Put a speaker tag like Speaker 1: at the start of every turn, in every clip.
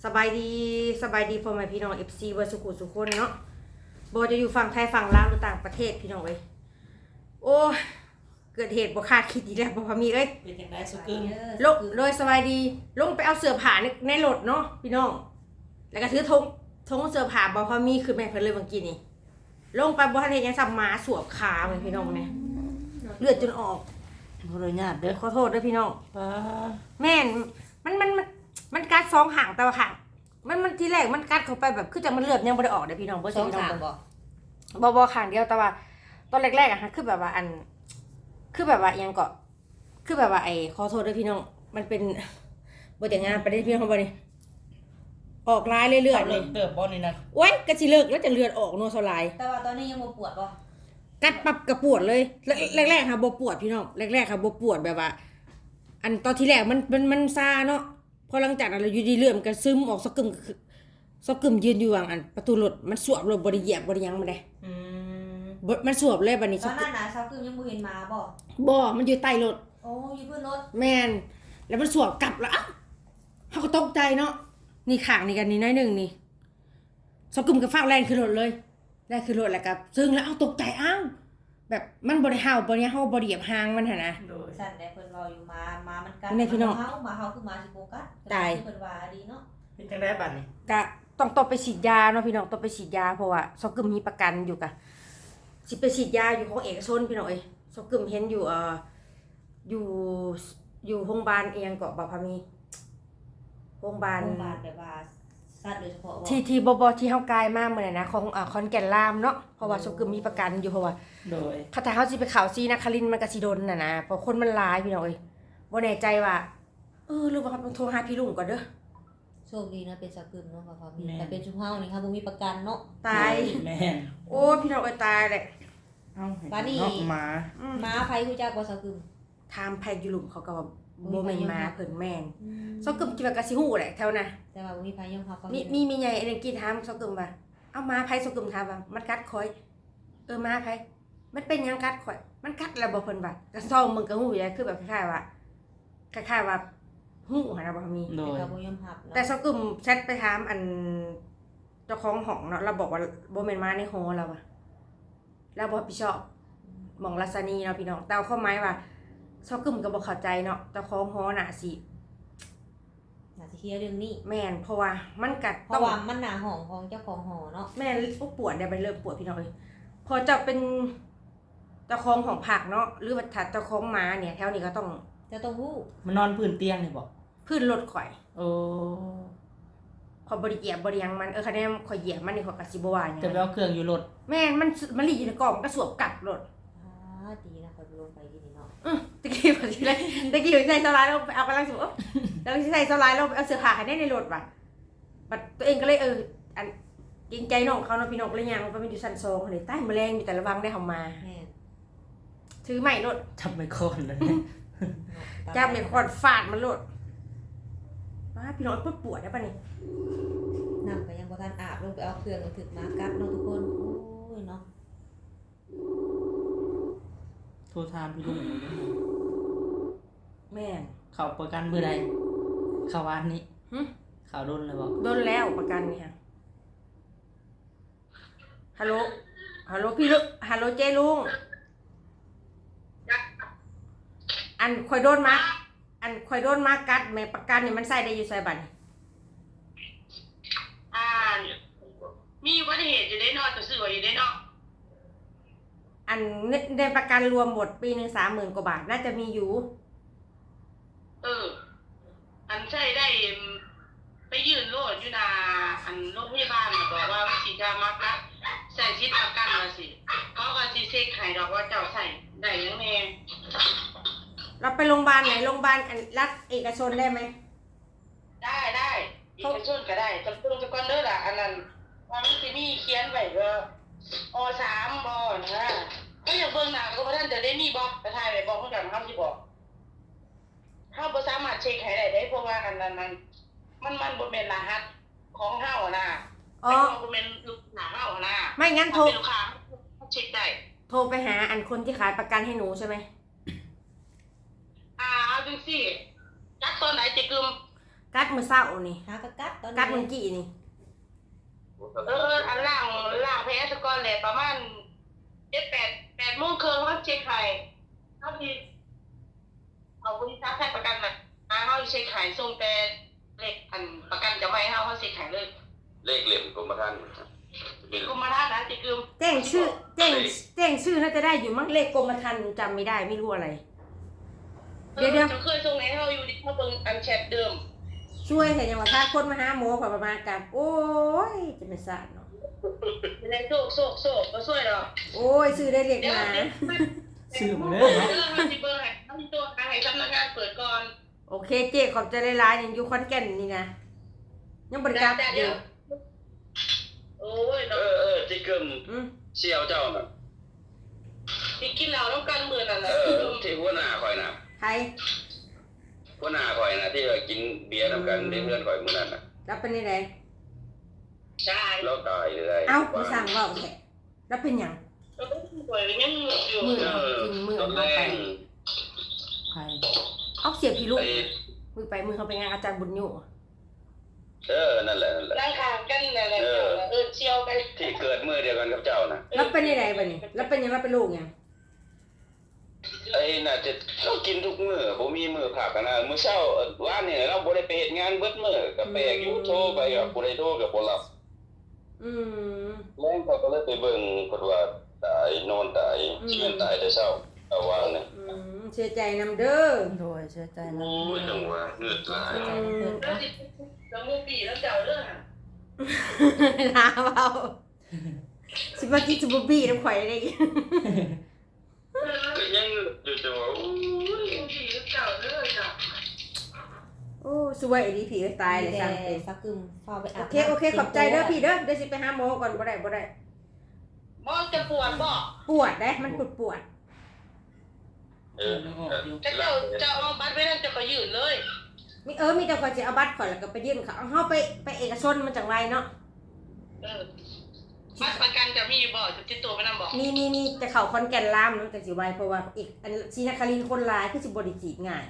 Speaker 1: สบายดีพ่อแม่พี่น้องFCเวอร์สุขุสุคนเนาะบ่จะอยู่ฝั่งไทยฝั่งลาวหรือต่างประเทศพี่น้องเอ้ยโอ้เกิดเหตุบ่คาดคิดอีกแล้วบ่พามีเอ้ย
Speaker 2: เป็นจังได๋สุกึม
Speaker 1: ลงโดยสบายดีลงไปเอาเสื้อผ้าในรถเนาะพี่น้องแล้วก็ถือธงเสื้อผ้าบ่พามีคือแม่เพิ่นเลยเมื่อกี้นี่ลงไปบ่ทันเฮ็ดหยังซับหมาสวบขาแม่พี่น้องเนี่ยเลือดจนออก
Speaker 2: บ่ได้ญาติเด้อ
Speaker 1: ขอโทษเด้อพี่น้อง
Speaker 2: ป้า
Speaker 1: แม่นมันกัดสองหางแต่ว่าหางมันทีแรกมันกัดเข้าไปแบบคือจังมันเลือดยังบ่ได้ออกเด้อพี่น้องบ่ใช่พี่น้องบ่ข้างเดียวแต่ว่าตอนแรกๆอ่ะคือแบบว่าคือแบบว่ายังก็คือแบบว่าขอโทษด้วยพี่น้องมันเป็นบ่แต่งงานประเด็นพี่น้องบ่นี่ออกลายเรื่อยๆเลย
Speaker 2: เติบบ่นี่นะ
Speaker 1: โอ๊ยก็สิเลิกแล้วจะเลือดออกนัวเท่าไหร่
Speaker 3: แต่ว่าตอนนี้ยังบ่ปวดบ่
Speaker 1: กัดปับกระปวดเลยแรกๆค่ะบ่ปวดพี่น้องแรกๆค่ะบ่ปวดแบบว่าอันตอนที่แรกมันซาเนาะพอหลังจากนั้นเราอยู่ดีเลือดมันก็ซึมออกสะกึมยืนอยู่อันประตูรถมันสวบรถบ่ได้เหยียบบ่ได้หยังมาได้มันสวบเลยบัดนี้
Speaker 3: ตอนนั้นน่ะเช้าคืนยังบ่เห็นหมาบ่
Speaker 1: บ่มันอยู่ใต้รถ
Speaker 3: โอ้อยู่บนรถ
Speaker 1: แม่นแล้วมันสวบกลับแล้วเฮาก็ตกใจเนาะนี่ข้างนี่กันนี่น้อยนึงนี่สะกึมก็ฟ้าวแรงขึ้นรถเลยแรงขึ้นรถแล้วก็ซึ่งแล้วตกใจแบบมันบ่ได้เห่าบ่ได้เฮาบ่ได้เหยียบหางมันหั่นนะ
Speaker 3: สั่นได้เพิ่นเว้าอยู่หมามันกัด
Speaker 1: นี่พี่น้อง
Speaker 3: เฮาคือหมาสิบ่กัด
Speaker 1: ตาย
Speaker 3: เพิ่นว่าดีเนาะ
Speaker 2: เป็นจังได๋บัดนี้
Speaker 1: ก็ต้องไปฉีดยาเนาะพี่น้องต้องไปฉีดยาเพราะว่าสะกึมมีประกันอยู่กะสิไปฉีดยาอยู่ของเอกชนพี่น้องเอ้ยสะกึมเห็นอยู่อยู่โรงพยาบาลเองเกาะบ่พามีโรงพยาบาล
Speaker 3: แบบว่าสัตว์โดยเฉพาะ
Speaker 1: ที่บที่เฮากายมามื้อนั้นนะของขอนแก่นลามเนาะเพราะว่าสะกึมมีประกันอยู่เพราะว่า
Speaker 2: โดย
Speaker 1: ถ้าเฮาสิไปเขาซีนครินทร์มันก็สิโดนน่ะนะเพราะคนมันหลายพี่น้องเอ้ยบ่แน่ใจว่าหรือว่าโทรหาพี่ลุงก่อนเด้อ
Speaker 3: โชคดีนะเป็นสักกึมเนาะค่ะพี่แต่เป็นชุมเฮานี่ค่ะบ่มีประกันเนาะ
Speaker 1: ตาย
Speaker 2: แม่น
Speaker 1: โอ้พี่น้องเอ้ยตายแหละ
Speaker 2: บาดนี้ห
Speaker 3: มาไผฮู้จักบ่สักกึม
Speaker 1: ถามไผอยู่หลุมเขาก็ว่าบ่แม่นมาเพิ่นแม่นซอกกึมคิดว่าก็สิฮู้แหละแถวน่ะ
Speaker 3: แต่ว่าบ่มีไผยอมรับเขา
Speaker 1: มีใหญ่อันนึงกี้ถามซอกกึมว่าเอามาไผซอกกึมถามว่ามันกัดข่อยมาไผมันเป็นหยังกัดข่อยมันกัดแล้วบ่เพิ่นว่าก็ซ่องมึงก็ฮู้อยู่คือแบบคล้ายๆว่าฮู้หั่นน่ะบ่มี
Speaker 3: แต่บ่ยอมรับ
Speaker 1: แต่ซอกกึมแชทไปถามอันเจ้าของห้องเนาะเราบอกว่าบ่แม่นมาในหอแล้วว่ะแล้วบ่รับผิดชอบหม่องลัษณีเนาะพี่น้องแต่ความหมายว่าซอกกึมก็บ่เข้าใจเนาะเจ้าของหอน่ะสิ
Speaker 3: เคลียร์เรื่องนี้
Speaker 1: แม่นเพราะว่ามันกัด
Speaker 3: เพราะว่ามันหน้าห้องของเจ้าของหอเนาะ
Speaker 1: แม่นปวดได้ไปเริ่มปวดพี่น้องเอ้ยพอจะเป็นเจ้าของของผักเนาะหรือว่าถ้าเจ้าของหมาเนี่ยแถวนี้ก็ต้อง
Speaker 3: จะต้องฮู้
Speaker 2: มันนอนพื้นเตียงนี่บ่
Speaker 1: พื้นรถข่อย
Speaker 2: โอ้
Speaker 1: ขอยบ่ได้เหยียบบ่ได้หยังมันคะแนนข่อยเหยียบมันนี่ข่อยก็สิบ่ว่าหยัง
Speaker 2: จะไปเอาเครื่องอยู่รถ
Speaker 1: แม่นมันลีอยู่ในกล่องมันก็สวบกลับรถ
Speaker 3: ดีนะข่อยลงไปที่นี่เนาะ
Speaker 1: ตะกี้บ่สิเลยตะกี้ใส่โซลาร์ลงไปเอากำลังสิแล้วใส่โซลาร์ลงไปเอาเสื้อผ้าให้ในรถว่ะบัดตัวเองก็เลยอันเกรงใจน้องเขาเนาะพี่น้องก็เลยย่างลงไปมันอยู่ชั้น2นี่ใต้แมลงมีแต่ระวังได้เฮามา
Speaker 3: แม่น
Speaker 1: ถือไม้รถ
Speaker 2: จับไม้ค้อนเลย
Speaker 1: จับไม้ค้อนฟาดมันรถว่าพี่น้องปวดได้ป่ะนี่
Speaker 3: น้ำก็ยังบ่ทันอาบลงไปเอาเครื่องถึกมากัดเนาะทุกคนโอ้ยเนาะ
Speaker 2: โทรถามพี่ลุง
Speaker 1: แม่
Speaker 2: เขาประกันมื้อใดเข้าวันนี้ข่าวโดนเลยบ่
Speaker 1: โดนแล้วประกันนี่ค่ะฮัลโหลพี่ลุงฮัลโหลเจ้ลุงอันข่อยโดนมากัดแม่ประกันนี่มันใส่ได้อยู่ใส่บัด
Speaker 4: มีอุบัติเหตุอยู่ได้เนาะจะซื้อไว้อยู่ได้เนาะ
Speaker 1: อันในประกันรวมหมดปีนึง30,000 กว่าบาทน่าจะมีอยู่
Speaker 4: อันใช้ได้ไปยืนโลดอยู่นาอันโรงพยาบาลบอกว่าสิจะมักนะใส่ชิดประกันว่าสิเขาก็สิเช็คให้ดอกว่าเจ้าใส่ได้ยังแน่
Speaker 1: เราไปโรงพยาบาลไหนโรงพยาบาลรัฐเอกชนได้ไหม
Speaker 4: ได้เอกชนก็ได้จำเป็นจะก่อนเด้อล่ะอันนั้นว่ามันสิมีเขียนไว้ว่าอ.3 บ่นะก็อย่างเบิ่งหน้าก็บ่ทันจะได้มีบ่ไปถ่ายไว้บ่เพิ่นก็เฮาสิบอกเฮาบ่สามารถเช็คให้ได้เพราะว่าอันนั้นมันบ่แม่นรหัสของเฮาน่ะบ่แม่นลูกหน้าเฮาน่ะ
Speaker 1: ไม่งั้นโทร
Speaker 4: ลูกค้าเช็คได้
Speaker 1: โทรไปหาอันคนที่ขายประกันให้หนูใช่ไหม
Speaker 4: เอาจังซี่จักตอนไหนจิกึม
Speaker 1: กัดมื้อเช้านี่
Speaker 3: หากระกัดตอน
Speaker 1: กัด
Speaker 3: นี้
Speaker 1: มื้อกี้นี่
Speaker 4: อันล่างแพ้สกอนแหละประมาณ8 โมงครึ่งเขาเช็คไข่เขาที่เอาบริษัทให้ประกันมาเขาเช็คไข่ส่งแต่เลขอันประกันจะไม่ให้เขาเช็คไข่เลย
Speaker 5: เลขเหลี่ยมกรมธรรม์
Speaker 4: กุมมาท่านนะจิกึม
Speaker 1: แจ้งชื่อน่าจะได้อยู่มั้งเลขกรมธรรม์จำไม่ได้ไม่รู้อะไร เดี๋ยว
Speaker 4: จะเคยส่งให้เขาอยู่ที่เขาเบิ่งอันแชทเดิม
Speaker 1: ช่วยแต่ยังว่าถ้าคนมาหาหมอพอประมาณกันโอ้ยจะไม่สะเนาะ
Speaker 4: เป็นไรโซกก็ช่วยหรอ
Speaker 1: โอ้ยซื้อได้เรียก
Speaker 4: เดี๋ยว
Speaker 1: มา
Speaker 2: ซื้อมาเลย
Speaker 4: เรื่องมันสิเบิ่งให้ต้องตัวให้สำนักงานเปิดก่อน
Speaker 1: โอเคเจ๊ขอบใจหลายๆนี่อยู่ขอนแก่นนี่นะยังบริการอยู่
Speaker 4: โอ้ย
Speaker 5: เอ
Speaker 4: เนาะ
Speaker 5: อที่เกิม
Speaker 1: อืม
Speaker 5: เสี่ยวเจ้าน่ะ
Speaker 4: ที่กินเหล้าต้องการมือนั่นแหละ
Speaker 5: ที่หัวหน้าข่อยน่ะ
Speaker 1: ใคร
Speaker 5: หัวหน้าข่อยน่ะที่ว่ากินเบียร์นำกันได้เพื่อนข่อยมื้อนั้นน่ะ
Speaker 1: รับเป็นยังไง
Speaker 4: ใช่
Speaker 5: เราตายเลย
Speaker 1: เอ้ามาสั่งเว่าแท้รับเป็นหยัง
Speaker 4: แล้วก็ป่วยยังอยู่
Speaker 1: มือ
Speaker 5: เออ
Speaker 1: กินมือ
Speaker 5: ตอนแร
Speaker 1: เอาไป
Speaker 5: ก
Speaker 2: ใคร
Speaker 1: เอาเสียพี่ลูก
Speaker 5: ไอ้
Speaker 1: มือเขาไปงานอาจารย์บุญอยู่
Speaker 5: นั่นแหละ
Speaker 4: ร่างกายกันอะไรเชียวไป
Speaker 5: ที่เกิดมื้อเดียวกันกับเจ้าน่ะ
Speaker 1: รับเป็นยังไงบัดนี้รับเป็นหยังรับเป็นลูกหยัง
Speaker 5: ไอ้น่ะจะเรากินทุกมื้อบ่มีมื้อพักกันนะมื้อเช้าว่านนี่เราบ่ได้ไปเฮ็ดงานเบิดมื้อก็แปลกอยู่โทรไปก็บ่ได้โทรก็บ่รับ
Speaker 1: อืม
Speaker 5: แม่งเขาก็เลยไปเบิ่งเพิ่นว่าตายนอนตายสิแม่นตายแต่เช้าเอาวางนี่
Speaker 1: อืมเสียใจนำเด้อ
Speaker 2: โดยเชื่อใจนะ
Speaker 5: โอ้ยจังว่าเงือดหลาย
Speaker 4: แล้วจิตแล้วมูปีแล้วเจ้าเรื่องอ่ะ
Speaker 1: ลาเบาสิมากินสุบบี้น้ำข่อยได้อีก
Speaker 5: ก็ยังอยู่จังว่า
Speaker 4: มูปีแล้วเจ้าเรื่องอ่ะ
Speaker 1: โอ้สวยดีผีก็ตายเลย
Speaker 3: แต่
Speaker 1: สั่งเป็น
Speaker 3: สักกึมเฝ้าไปอาบ
Speaker 1: โอเคขอบใจเด้อพี่เด้อเดี๋ยวสิไปหาหมอก่อนบ่ได้
Speaker 4: มอจะปวดบ่
Speaker 1: ปวดได้มันปวด
Speaker 4: จะเจ้าเอาบัตรไว้นั่นจะก็ยืนเลย
Speaker 1: มีมีแต่ก่อนสิเอาบัตรข่อยแล้วก็ไปยื่นเขาเอาเฮาไปเอกชนมันจังไวเนาะ
Speaker 4: บัตรประกันจะมีบ่ติดตัวไปนั่นบ่
Speaker 1: มีแต่เขาคอนแก่นลามเนาะแต่สิไวเพราะว่าอีกอันศรีนครินทร์คนหลายคือสิบ่ได้จีบง่าย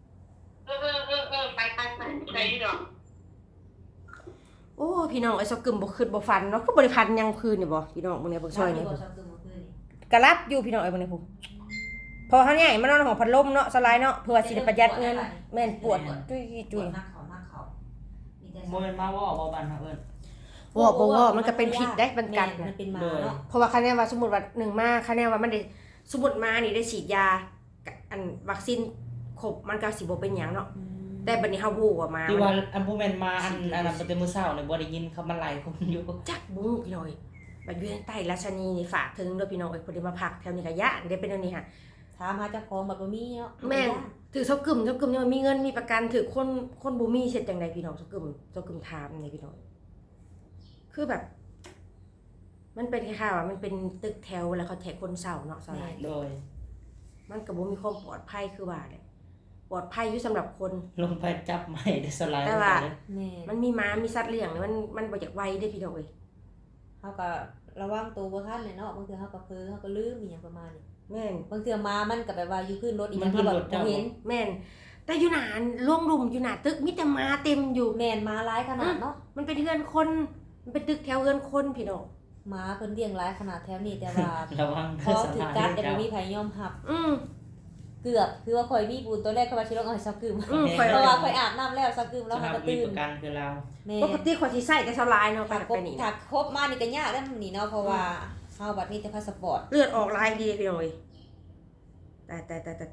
Speaker 4: ไปดอก
Speaker 1: โอ้พี่น้องไอ้ซอกกึมบ่คิดบ่ฟันเนาะคือบ่ได้พันยังคืนนี่บ่พี่น้องมื้อนี้เบิ่งซอยนี่
Speaker 3: สักกึมเมื่อคืนนี่
Speaker 1: กะรับอยู่พี่น้องไอ้เบิ่งนี่พุ่นพอเฮาใหญ่มานอนห้องพัดลมเนาะสลายเนาะเพื่อว่าสิได้ประหยัดเงินแม่นปวดจุย
Speaker 3: ปวดหน้าเขามีแต่
Speaker 2: โมเป็นมาว่าบ่บันนะเอิ้น
Speaker 1: ว่ามันก็เป็นพิษได้มันกัด
Speaker 3: มั
Speaker 1: นะ
Speaker 3: นเป็นหมาเนาะ
Speaker 1: เพราะว่าคะแนนว่าสมมุติว่า1มาคะแนนว่ามันได้สมมุติมานี่ได้ฉีดยาอันวัคซีนครบมันก็สิบ่เป็นหยังเนาะแต่บัดนี้เฮาฮู้ว่ามา
Speaker 2: ที่ว่าอันผู้แม่นมาอันนั้นบ่แต่มื้อเช้านี่บ่ได้ยินเขามันไล่คนอยู่
Speaker 1: จักบุ้งพี่น้อยบัดอยู่ใต้ราชนีนี่ฝากถึงเด้อพี่น้องเอ้ยเพิ่นได้มาพักแถวนี้ก็ย่านได้เป็นแนวนี้ค่ะ
Speaker 3: ถามหาเจ้าของแบบบ่มีเนาะ
Speaker 1: แม่นถือเซากึ่มยังมีเงินมีประกันถือคนบ่มีเฮ็ดจังไดพี่น้องเซากึ่มถามนี่พี่น้องคือแบบ มันเป็นคล้ายๆว่ามันเป็นตึกแถวแล้วเขาแถกคนเศร้าเนาะสลาย
Speaker 2: โดย
Speaker 1: มันก็บ่มีความปลอดภัยคือว่าแหละปลอดภัยอยู่สำหรับคน
Speaker 2: ลงไปจับไม้ได้สลาย
Speaker 1: แต่ว่า
Speaker 3: แม่
Speaker 1: มันมีม้ามีสัตว์เลี้ยงนี่มันบ่อยากไวเด้อพี่น้องเอ้ย
Speaker 3: เฮาก็ระวังตัวบ่ทันเลยเนาะบางเทื่อเฮาก็เพ้อเฮาก็ลืมอีหยังประมาณนี้
Speaker 1: แม่น
Speaker 3: บางเทื่อมามันก็แบบว่าอยู่ขึ้นรถอีหยังก็แบบบ่เห็น
Speaker 1: แม่นแต่อยู่หน้าล่วงรุมอยู่หน้าตึกมีแต่ม้าเต็มอยู่
Speaker 3: แม่นมาหลายขนาดเนาะ
Speaker 1: มันเป็นเรือนคนมันเป็นตึกแถวเรือนคนพี่น้อง
Speaker 3: หมาเพิ่นเลี้ยงหลายขนาดแถวนี้แต่ว่า
Speaker 2: ระวัง
Speaker 3: พอถูกกัดแต่บ่มีไผยอมรับ เกือบคือว่าข่อยมีบุญตัวแรกข่อยว่าสิลงเอาให้ซักกึม
Speaker 1: ข่อย
Speaker 3: เพราะว่าข่อยอาบน้ำแล้วซักกึมแล้ว
Speaker 2: แล้
Speaker 3: หาว ก็
Speaker 2: มี
Speaker 3: ตื่
Speaker 2: ป
Speaker 3: น
Speaker 2: ระกันคือเรา
Speaker 3: แม่
Speaker 1: ปกติข่อยสิใส่แต่สลายเนาะ
Speaker 3: ถ้า
Speaker 1: ไป
Speaker 3: ครบ
Speaker 1: นี่
Speaker 3: ถ้า
Speaker 1: นะ
Speaker 3: ครบมานี่ก็ยากแล้วนี่เนาะเพราะว่าเฮาบัดนี้แต่พาสปอร์ต
Speaker 1: เลือดออกลายดีพี่น้องเอ้ยตาย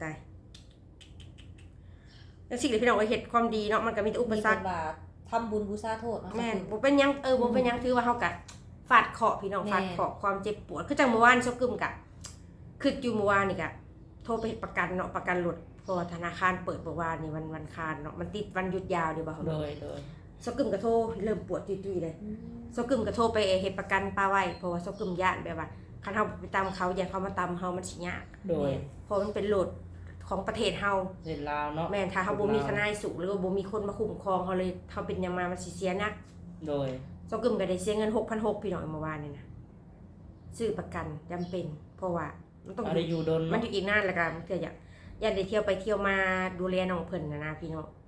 Speaker 1: แล้วสิ่งที่พี่น้องเอ้ยเฮ็ดความดีเนาะมันก็มีแต่อุป
Speaker 3: มี
Speaker 1: สร
Speaker 3: แต่
Speaker 1: รค
Speaker 3: ว่าทำบุญบูชาโทษเนาะ
Speaker 1: แม่นบ่เป็นหยังบ่เป็นหยังถือว่าเฮากะฟาดเคราะห์พี่น้องฟาดเคราะห์ความเจ็บปวดคือจังเมื่อวานซอกกึมกะคืออยู่เมื่อวานนี่กะโทรไปเฮ็ดประกันเนาะประกันรถเพราะว่าธนาคารเปิดเมื่อวานนี่วันคารเนาะมันติดวันหยุดยาวเด้บ่เฮา
Speaker 2: โดย
Speaker 1: ซอกกึมก็โทรเริ่มปวดตุ้ยๆเลยซอกกึมก็โทรไปเฮ็ดประกันป้าไว้เพราะว่าซอกกึมย่านแบบว่าคันเฮาไปตามเขาอย่าเขามาตามเฮามันสิยาก
Speaker 2: โดย
Speaker 1: เพราะมันเป็นรถของประเทศเฮา
Speaker 2: เฮ็ดลาวเนาะ
Speaker 1: แม่นถ้าเฮาบ่มีทนายสูงหรือว่าบ่มีคนมาคุ้มครองเฮาเลยเฮาเป็นหยังมามันสิเสียหนัก
Speaker 2: โดย
Speaker 1: ซอกกึมก็ได้เสียเงิน 6,600 พี่น้องเมื่อวานนี่นะซื้อประกันจำเป็น เพราะว่ามันต้อง
Speaker 2: อะไรอยู่ดน
Speaker 1: มันอยู่อีกนานแล้วก็มันก็อยากได้เที่ยวไปเที่ยวมาดูแลน้องเพิ่นนะพี่น้อง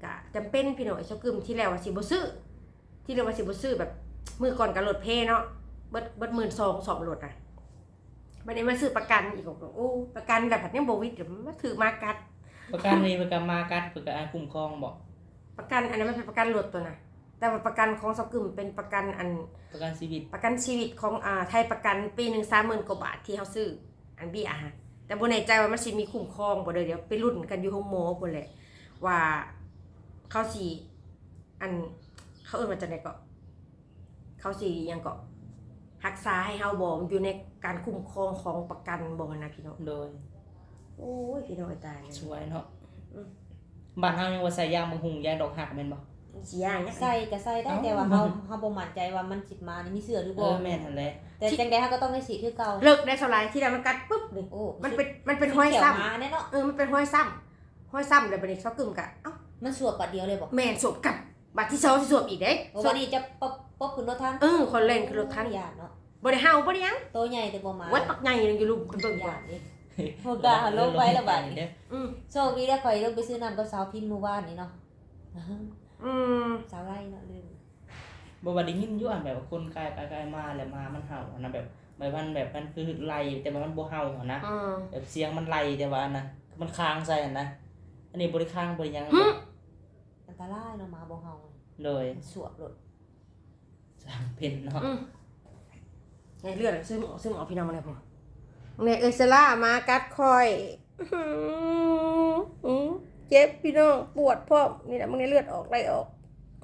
Speaker 1: ก็จำเป็นพี่น้องไอ้เซากึมที่แล้วว่าสิบ่ซื้อที่แล้วว่าสิบ่ซื้อแบบมื้อก่อนก็รถเพเนาะเบิด12,000 2รถอ่ะบัดนี้มาซื้อประกันอีกโอ้ประกันแบบยังบ่วิดเดี๋ยวมาถือมากัด
Speaker 2: ประกันนี้ประกันมากัดประกันคุ้มครองบ่
Speaker 1: ประกันอันนั้นมันเป็นประกันรถตัวน่ะแต่ว่าประกันของเซากึมเป็นประกันอัน
Speaker 2: ประกันชีวิต
Speaker 1: ประกันชีวิตของไทยประกันปีหนึง30,000 กว่าบาทที่เฮาซื้ออันเบี้ยฮะแต่บ่แน่ใจว่ามันสิมีคุ้มครองบ่เด้อเดี๋ยวไปลุ้นกันอยู่โรงหมอพุ่นแหละว่าเขาสิอันเขาเอิ้นว่าจังได๋ก็เขาสิหยังก็รักษาให้เฮาบ่มันอยู่ในการคุ้มครองของประกันบ่นะพี่น้อง
Speaker 2: โดย
Speaker 1: โอ้ยพี่น้องตายเลย
Speaker 2: สวยเนาะบ้านเฮายังว่าใส่ยางบางหุงยางดอกหักแม่นบ่
Speaker 1: สิย่างเนี่ย
Speaker 3: ใส่ก็ใส่ได้แต่ว่าเฮาบ่มั่นใจว่ามันสิมานี่มีเสื้อหรือ
Speaker 2: เอ
Speaker 3: บ่
Speaker 2: อแม่นหั่นแหละ
Speaker 3: แต่จังได๋เฮาก็ต้องได้สีคือเก่า
Speaker 1: เลิกได้เท่าไหร่ที่แล้วมันกัดปุ๊บนี่
Speaker 3: โอ้
Speaker 1: มันเป็นห้อยซ้ำ
Speaker 3: เขีวมาแน่เนาะ
Speaker 1: มันเป็นห้อยซ้ำแล้วบัดนี้เซากึมก็เอ้า
Speaker 3: มันสวบปัดเดียวเลยบ่
Speaker 1: แม่นสวมกับบัตรที่2สิสวมอีกเด้
Speaker 3: โอ้วันนี้จะป๊บขึ้นรถทัน
Speaker 1: คนเล่นคือรถทัน
Speaker 3: ญาติเนาะ
Speaker 1: บ่ได้เฮาบ่ได้หยัง
Speaker 3: โตใหญ่แต่บ่มา
Speaker 1: วัดปักใหญ่นึงอยู่ลุมเบิ่ง
Speaker 3: ญา
Speaker 1: ว่า
Speaker 3: ตินี่โหกาลงไปแล้วบัดนี้
Speaker 2: เด้อ
Speaker 1: อืม
Speaker 3: โชคดีได้ข่อยลงไปซื้อน้ำกับสาวพินเมื่อวานนี่เนาะ
Speaker 1: อืม
Speaker 3: สาวไร่เนาะลืม
Speaker 2: บ่ว่าได้ยินอยู่อันแบบว่าคนกายมาแล้วมามันเห่าอันนั้นแบบมันคือไล่แต่ว่ามันบ่เห่าอะนะ
Speaker 1: อืม
Speaker 2: แบบเสียงมันไล่แต่ว่าอันนะมันค้างใส่อันนะอันนี้บ่ได้ค้างบ่ได้หยัง
Speaker 3: อันตรายเนาะหมาบ่เฮา
Speaker 2: เลย
Speaker 3: สวบรถ
Speaker 2: สร้างเพิ่นเนาะ
Speaker 1: ไงเลือดซึมออกพี่น้องมาเลยพ่อเนี่ยเอเซล่ามากัดคอยเจ็บพี่น้องปวดพ่อนี่แหละมึงเนี่ยเลือดออกไหลออก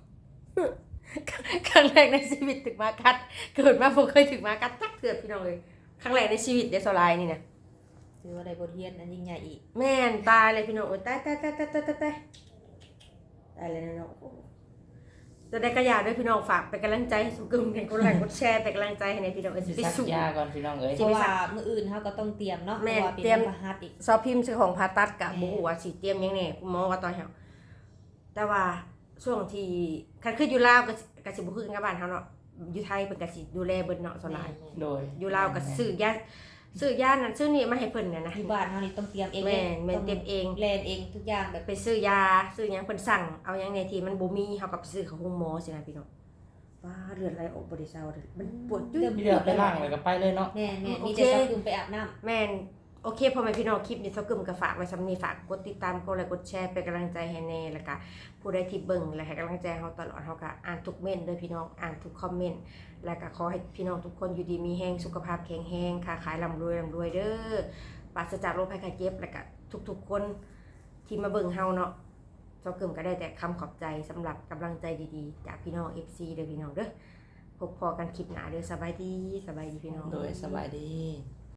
Speaker 1: ครั้งแรกในชีวิตถึงมากัดเกิดมาบ่เคยถึงมากัดจักเถื่อพี่น้องเลยครั้งแรกในชีวิตเดซอไลน์นี่นะ
Speaker 3: ถือว่าได้บทเรียนอันยิ่งใหญ่อีก
Speaker 1: แม่นตายเลยพี่น้องโอ้ยตายตายเลยนะน้องจะได้กระยาด้วยพี่น้องฝากเป็นกำลังใจให้สุกึมกันกดไลค์กดแชร์เป็นกำลังใจให้ในพี่น้องเอ้ย
Speaker 2: สิ
Speaker 1: ไป
Speaker 2: ซัก
Speaker 1: สู่
Speaker 2: ยาก่อนพี่น้องเอ้ย
Speaker 3: เพราะว่ามื้ออื่นเฮาก็ต้องเตรียมเนาะเพ
Speaker 1: แม่
Speaker 3: ราะว่าเป็น
Speaker 1: เตรียม
Speaker 3: พฤหัสอีก
Speaker 1: ซอพิมพ์ซื้อของผ่าตัดกับบ่ฮู้ว่าสิเตรียมหยังแน่คุณหมอว่าตอนเฮาแต่ว่าช่วงที่คันคืออยู่ลาวก็สิบ่คือกันกับบ้านเฮาเนาะอยู่ไทยเพิ่นก็สิดูแลเบิดเนาะส่วนหลาย
Speaker 2: โดย
Speaker 1: อยู่ลาวก็ซื้อยานั่นซื้อนี่มาให้เพิ่นน่ะนะ
Speaker 3: อยู่บ้านเฮานี่ต้องเตรียมเอง
Speaker 1: แม่นเตรียมเอง
Speaker 3: แลนเองทุกอย่างแบบ
Speaker 1: ไปซื้อยาซื้อหยังเพิ่นสั่งเอาหยังในที่มันบ่มีเฮาก็ไปซื้อของโรงหมอสินะพี่น้องว่าเลือดไหลออกบ่ได้เซาเด้อมันปวดจุ๊ย
Speaker 2: มีเลือดไปล่างแล้วก็ไปเลยเนาะ
Speaker 3: แม่มี
Speaker 1: โอเค
Speaker 3: แต่ต้องขึ้นไปอาบน้ำ
Speaker 1: แม่นโอเคพ่อแม่พี่น้องคลิปนี้เซากึมก็ฝากไว้สำนี้ฝากกดติดตามกดไลค์กดแชร์เป็นกำลังใจให้แน่แล้วก็ผู้ใดที่เบิ่งและให้กำลังใจเฮาตลอดเฮาก็อ่านทุกเม้นต์เด้อพี่น้องอ่านทุกคอมเมนต์และก็ขอให้พี่น้องทุกคนอยู่ดีมีแรงสุขภาพแข็งแรงค้าขายร่ำรวยเด้อปราศจากโรคภัยไข้เจ็บและก็ทุกๆคนที่มาเบิ่งเฮาเนาะเซากึมก็ได้แต่คำขอบใจสำหรับกำลังใจดีๆจากพี่น้อง FC เด้อพี่น้องเด้อพบพอกันคลิปหน้าเด้อสบายดีพี่น้อง
Speaker 2: โดยสบายดี